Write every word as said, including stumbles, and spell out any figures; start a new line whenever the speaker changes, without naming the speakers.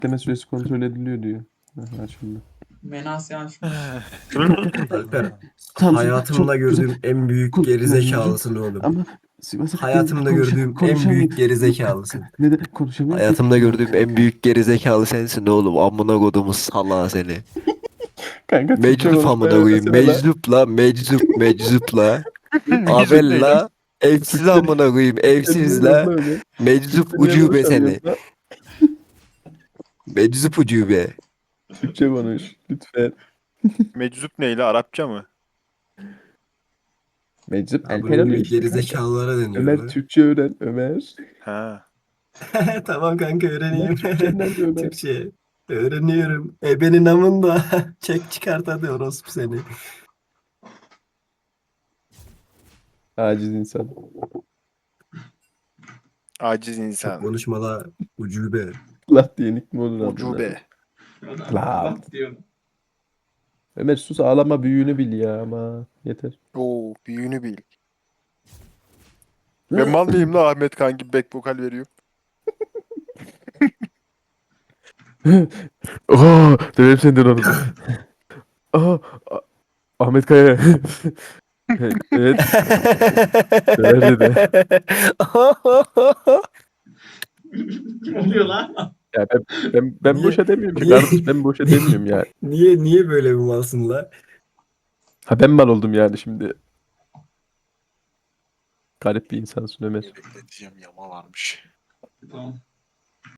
bekleme süresi kontrol ediliyor diyor. Aha, açıldı.
Menasya açmış.
Alper,
Samsun
hayatımda
çok güzel
gördüğüm en büyük
kullanıyorum
gerizekalısın oğlum.
ama Sivas'a
Hayatımda
konuşa,
gördüğüm en
konuşamıyorum.
büyük gerizekalısın.
Neden konuşamıyorum ki?
Hayatımda gördüğüm en büyük gerizekalı sensin oğlum. Amına kodumun salağı seni.
Kanka Türkçe
Meczup amına
konuşmaya
koyayım.
öğretsene la.
Meczup la. Meczup. Meczup la.
Meczup ne
Abel
lan?
la. Evsiz
Türkçe-
amına koyayım.
Türkçe
Evsiz
bilmiyorum
la.
lan öyle.
Meczup
Türkçe niye
ucube seni.
konuşamıyoruz la?
Meczup ucube.
Türkçe konuş lütfen.
Meczup neyle? Arapça mı?
Meczup
Ya
El
bunun
Pelalo
gibi
işte kanka.
gerizekalılara deniyor.
Ömer
lan.
Türkçe öğren Ömer.
Ha.
Tamam kanka
Ömer
öğreneyim.
Türkçe nerede Ömer?
Türkçe. Öğreniyorum. Ebenin amında. Çek çıkart hadi orospu seni.
Aciz insan.
Aciz
Çok
insan.
konuşma la ucube.
Lat diye nick mi olur amına?
Ucube.
Lan.
Bak diyor.
Ömer sus ağlama büyüğünü bil ya ama yeter.
Oo, büyüğünü bil. Ben mal mıyım la Ahmet Kan gibi back vokal veriyor.
Oha döverim senden onu. Aha A- Ahmet Kaya. Evet döver dedi.
Kim oluyor lan?
Ya ben, ben, ben
Niye-
boşa demiyorum ki
niye-
kardeş ben boşa demiyorum ya.
Niye niye böyle bir malsın la?
Ha ben mal oldum yani şimdi. Garip bir insansın Ömer.
Bekleteceğim yama varmış.
Tamam.